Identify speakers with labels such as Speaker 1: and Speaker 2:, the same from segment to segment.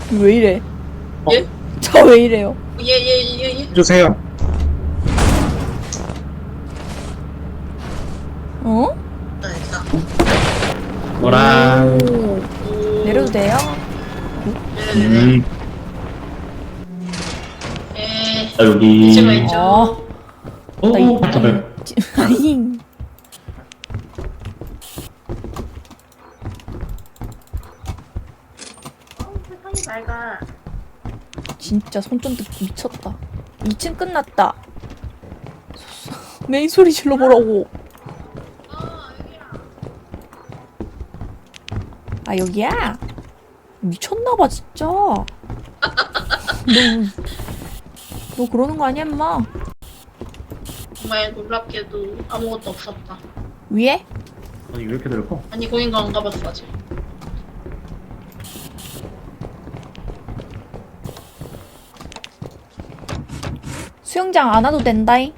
Speaker 1: 왜 이래?
Speaker 2: 예?
Speaker 1: 저 왜 이래요?
Speaker 2: 예.
Speaker 3: 주세요.
Speaker 1: 어?
Speaker 2: 됐다.
Speaker 3: 뭐랑
Speaker 1: 오. 내려도 돼요?
Speaker 2: 네네네.
Speaker 3: 여기.
Speaker 2: 제가 있죠.
Speaker 3: 오,
Speaker 1: 나 이-
Speaker 3: 잠깐만.
Speaker 1: 아잉.
Speaker 2: 세상이 맑아.
Speaker 1: 진짜 손전등 미쳤다. 2층 끝났다. 메인 소리 질러보라고. 아 여기야? 미쳤나봐 진짜. 너 그러는 거 아니야 임마?
Speaker 2: 정말 놀랍게도 아무것도 없었다.
Speaker 1: 위에?
Speaker 3: 아니 왜 이렇게 넓어?
Speaker 2: 아니 거긴가 안 가봤어 아직.
Speaker 1: 수영장 안 와도 된다잉.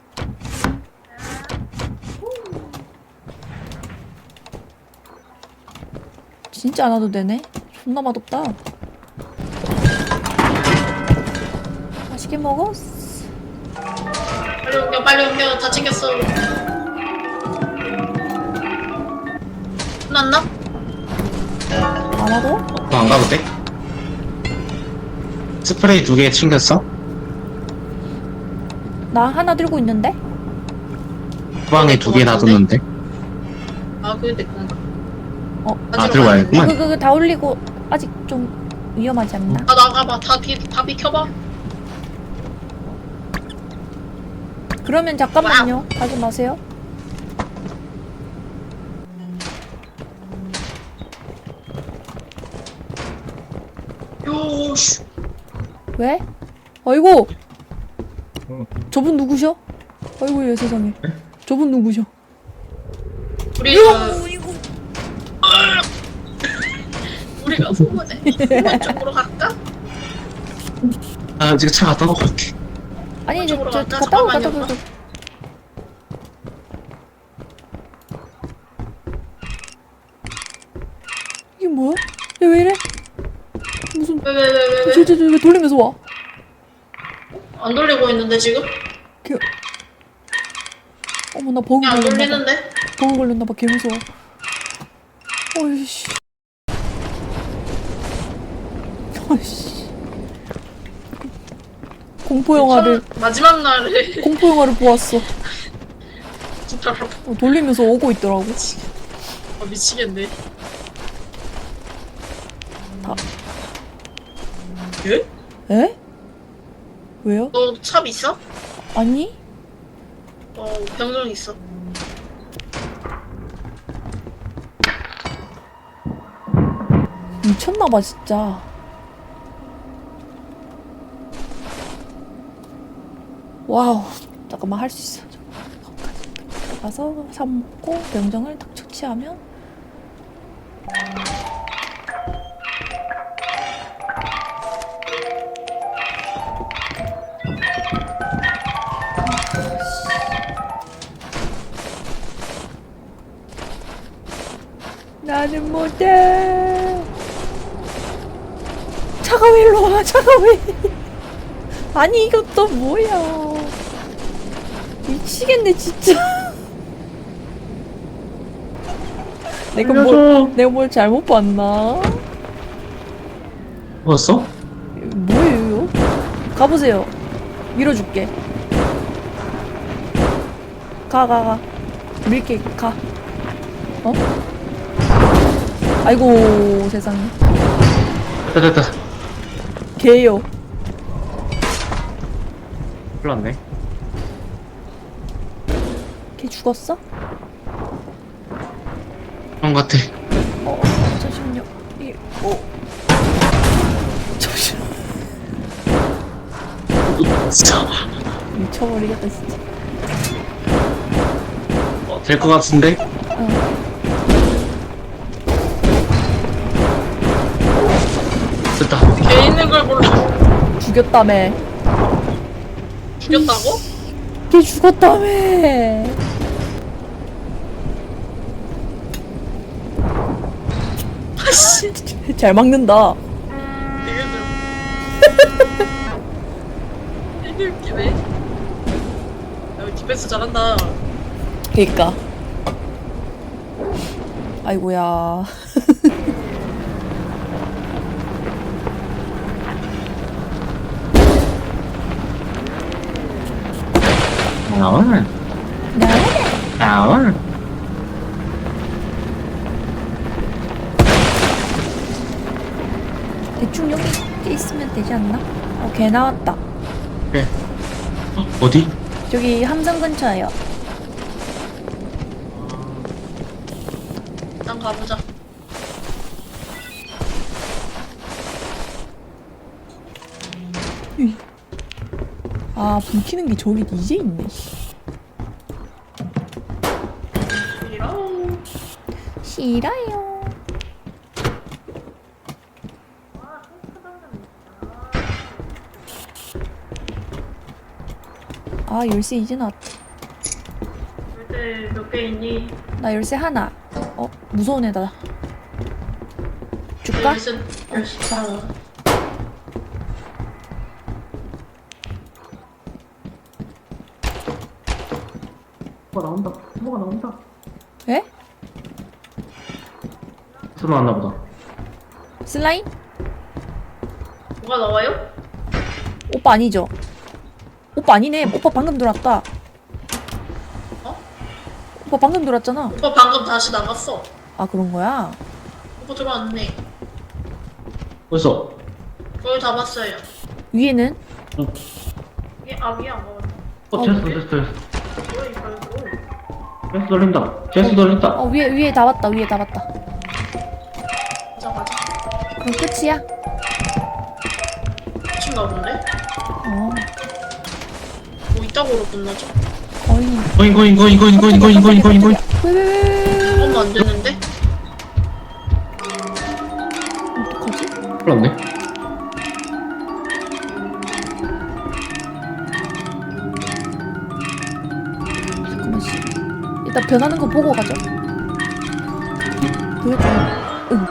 Speaker 1: 진짜 안 와도 되네. 존나 맛없다. 맛있게 먹었어.
Speaker 2: 빨리 옮겨. 다 챙겼어. 끝났나?
Speaker 1: 안 와도?
Speaker 3: 안 가도 돼? 스프레이 2개 챙겼어?
Speaker 1: 나 하나 들고 있는데?
Speaker 3: 후방에 2개 놔뒀는데?
Speaker 2: 아 그게 내 건가?
Speaker 3: 아, 들고 와야겠구만.
Speaker 1: 그거 다 올리고 아직 좀 위험하지 않나?
Speaker 2: 아 나가봐. 다 비켜봐.
Speaker 1: 그러면 잠깐만요. 가지 마세요.
Speaker 2: 요씨.
Speaker 1: 왜? 아이고!
Speaker 3: 어.
Speaker 1: 저분 누구셔? 아이고, 예, 세상에. 저분 누구셔?
Speaker 2: 우리가 후문 쪽으로 갈까?
Speaker 3: 아, 지금 차 갖다 놓고 갈게.
Speaker 1: 아니,
Speaker 2: 저쪽으로 갈까?
Speaker 1: 갔다 오,
Speaker 2: 잠깐만요,
Speaker 1: 갔다 오. 이게 뭐야? 얘 왜 이래? 무슨,
Speaker 2: 왜?
Speaker 1: 왜 돌리면서 와?
Speaker 2: 안 돌리고 있는데 지금?
Speaker 1: 어머, 나 버그
Speaker 2: 그냥 안
Speaker 1: 걸렸나봐.
Speaker 2: 돌리는데?
Speaker 1: 버그 걸렸나봐. 개 무서워. 어이씨. 어이씨. 공포영화를,
Speaker 2: 마지막 날에
Speaker 1: 공포영화를 보았어.
Speaker 2: 진짜
Speaker 1: 돌리면서 오고 있더라고.
Speaker 2: 미치겠네.
Speaker 1: 다.
Speaker 2: 예?
Speaker 1: 에? 왜요?
Speaker 2: 너 삽 있어?
Speaker 1: 아니?
Speaker 2: 병정 있어.
Speaker 1: 미쳤나봐 진짜. 와우. 잠깐만 할 수 있어. 거기까지 들어가서 삽 먹고 명정을 딱 처치하면 나는 못해. 차가 왜 일로 와? 차가 왜? 아니 이것도 뭐야? 미치겠네 진짜. 내가 뭘 잘못 봤나?
Speaker 3: 먹었어?
Speaker 1: 뭐예요? 가보세요. 밀어줄게. 가. 밀게 가. 어? 아이고 세상에.
Speaker 3: 됐다.
Speaker 1: 개요.
Speaker 3: 큰일 났네.
Speaker 1: 걔 죽었어?
Speaker 3: 그런 것 같아.
Speaker 1: 잠시만요. 잠시만.
Speaker 3: 진짜.
Speaker 1: 미쳐버리겠다 진짜.
Speaker 3: 될 것 같은데? 됐다.
Speaker 2: 걔 있는 걸 몰라.
Speaker 1: 죽였다며.
Speaker 2: 죽였다고?
Speaker 1: 걔 죽었다며.
Speaker 2: 아씨.
Speaker 1: 잘 막는다.
Speaker 2: 되게 스페이스 잘한다.
Speaker 1: 그니까. 아이고야.
Speaker 3: 나와. 나와.
Speaker 1: 대충 여기 있으면 되지 않나? 개 나왔다.
Speaker 3: 그래. 어디?
Speaker 1: 저기 함성 근처에요.
Speaker 2: 일단 가보자.
Speaker 1: 아, 불 켜는 게 저기 이제 있네.
Speaker 2: 이랑
Speaker 1: 싫어요. 아, 열쇠 이제 나왔다.
Speaker 2: 열쇠 몇 개 있니?
Speaker 1: 나 열쇠 하나. 무서운 애다. 줄까?
Speaker 2: 열쇠 열쇠.
Speaker 3: 뭐가 나온다. 뭐가 나온다.
Speaker 1: 에?
Speaker 3: 소리 나왔나 보다.
Speaker 1: 슬라임?
Speaker 2: 뭐가 나와요?
Speaker 1: 오빠 아니죠? 오빠 아니네. 오빠 방금 들어왔다.
Speaker 2: 어?
Speaker 1: 오빠 방금 들어왔잖아.
Speaker 2: 오빠 방금 다시 나갔어.
Speaker 1: 아, 그런 거야?
Speaker 2: 오빠 들어왔네.
Speaker 3: 벌써.
Speaker 2: 거의 다 봤어요.
Speaker 1: 위에는?
Speaker 2: 위에 안 먹었다.
Speaker 3: 됐어.
Speaker 2: 뭐야 이거?
Speaker 3: 제스 돌린다. 제스 돌린다.
Speaker 1: 위에 다 왔다. 위에 다 왔다.
Speaker 2: 가자.
Speaker 1: 그럼 끝이야?
Speaker 2: 미친가 본데?
Speaker 1: 어,
Speaker 2: 뭐 이따구로 끝나죠?
Speaker 1: 거의.
Speaker 3: 거인.
Speaker 1: 왜?
Speaker 2: 얼마 안 됐는데?
Speaker 1: 어떡하지?
Speaker 3: 큰일 났네.
Speaker 1: 잠깐만, 씨. 일단 변하는 거 보고 가죠. 보여줘. 응.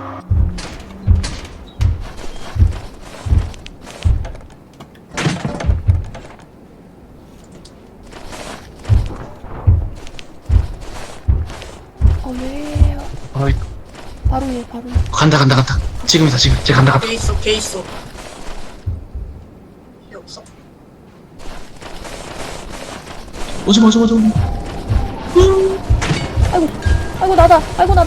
Speaker 1: 왜?
Speaker 3: 아이,
Speaker 1: 바로 얘.
Speaker 3: 간다. 지금이다. 쟤 간다.
Speaker 2: 걔 있어. 걔 없어.
Speaker 3: 오지 마.
Speaker 1: 아이고, 나다.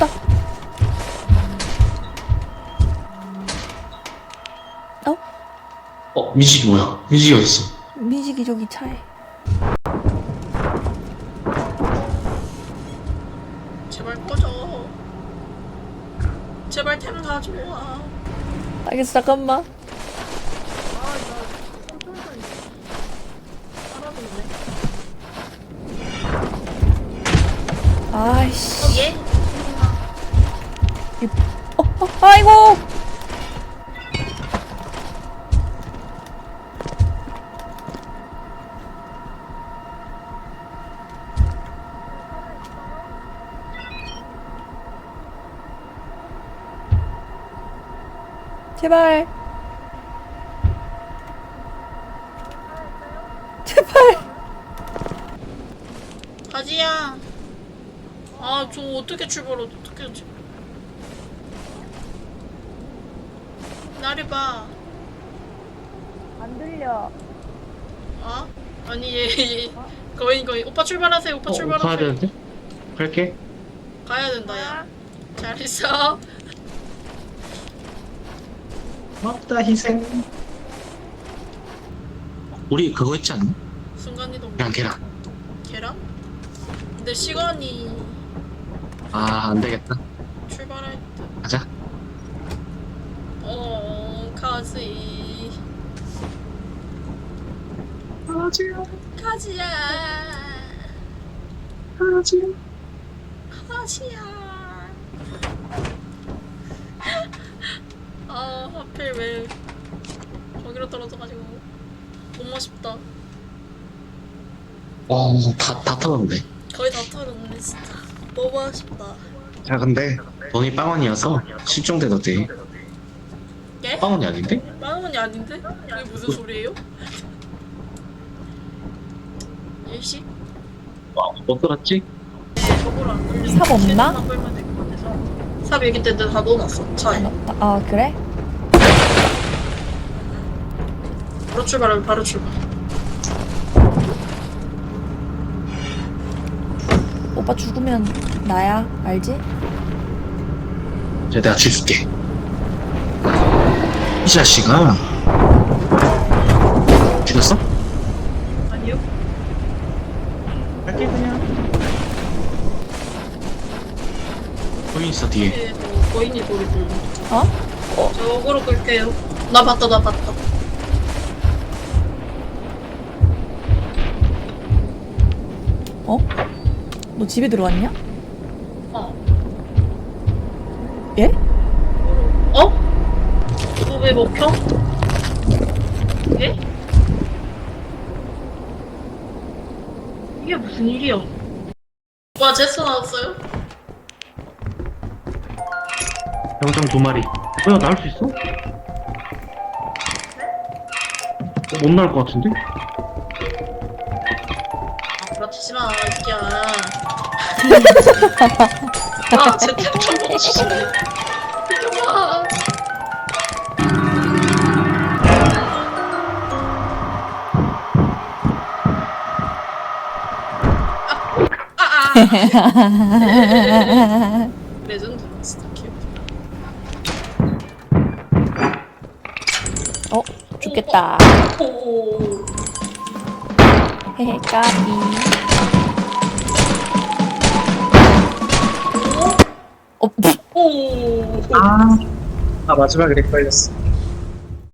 Speaker 3: 민식이 뭐야? 민식이 어딨어?
Speaker 1: 민식이 저기 차에.
Speaker 2: 제발 꺼져. 제발 템 가져와.
Speaker 1: 알겠어, 잠깐만. 아이씨.
Speaker 2: 얘?
Speaker 1: 아이고! 제발.
Speaker 2: 가지야. 아, 저 어떻게 출발해? 어떻게 하지? 나를 봐.
Speaker 1: 안 들려.
Speaker 2: 어? 아니 얘. 거의 오빠 출발하세요. 오빠
Speaker 3: 가야
Speaker 2: 출발하세요.
Speaker 3: 되는데? 갈게.
Speaker 2: 가야 된다 야. 잘했어.
Speaker 3: 맞다, 희생. 우리 그거 했지 않나?
Speaker 2: 순간이동.
Speaker 3: 계란.
Speaker 2: 계란? 근데 시간이
Speaker 3: 안 되겠다.
Speaker 2: 출발할 때.
Speaker 3: 가자.
Speaker 2: 가지. 가지야. 가지야. 하필 왜 저기로 떨어져가지고 너무 아쉽다.
Speaker 3: 다 털었네.
Speaker 2: 거의 다 털었네 진짜. 너무 아쉽다.
Speaker 3: 야, 근데 돈이 빵원이어서 실종돼도 돼.
Speaker 2: 예?
Speaker 3: 빵원이 아닌데?
Speaker 2: 빵원이 아닌데? 이게 무슨 소리예요? 일시?
Speaker 3: 못 들었지?
Speaker 2: 저거를 안 돌리고
Speaker 1: 삽 없나?
Speaker 2: 실드만 끌면 될 것 같아서. 삽 여기 있는데 다 넣어놨어 차에.
Speaker 1: 아 그래?
Speaker 2: 바로 출발하면 바로 출발.
Speaker 1: 오빠 죽으면 나야 알지?
Speaker 3: 이제 내가 죽일게. 이 자식아. 죽였어?
Speaker 2: 아니요?
Speaker 3: 갈게 그냥. 거기 있어 뒤에.
Speaker 2: 뒤에 거인이 소리 들려.
Speaker 1: 어?
Speaker 2: 저거로 끌게요. 나 봤다 나 봤다.
Speaker 1: 어? 너 집에 들어왔냐?
Speaker 2: 어.
Speaker 1: 예?
Speaker 2: 어? 너 왜 먹혀? 예? 이게 무슨 일이야? 와 제스 나왔어요?
Speaker 3: 병장 2마리. 야, 나올 수 있어? 못 나올 것 같은데?
Speaker 2: 아 부러치지 마 이 새끼야. 아제 템좀 먹어주시네. 이놈아. 레전드 진짜 귀엽다.
Speaker 1: 어? 죽겠다.
Speaker 2: 오.
Speaker 1: 헤헤 까비. 어?
Speaker 2: 오.
Speaker 3: 아, 마지막에 렉 걸렸어.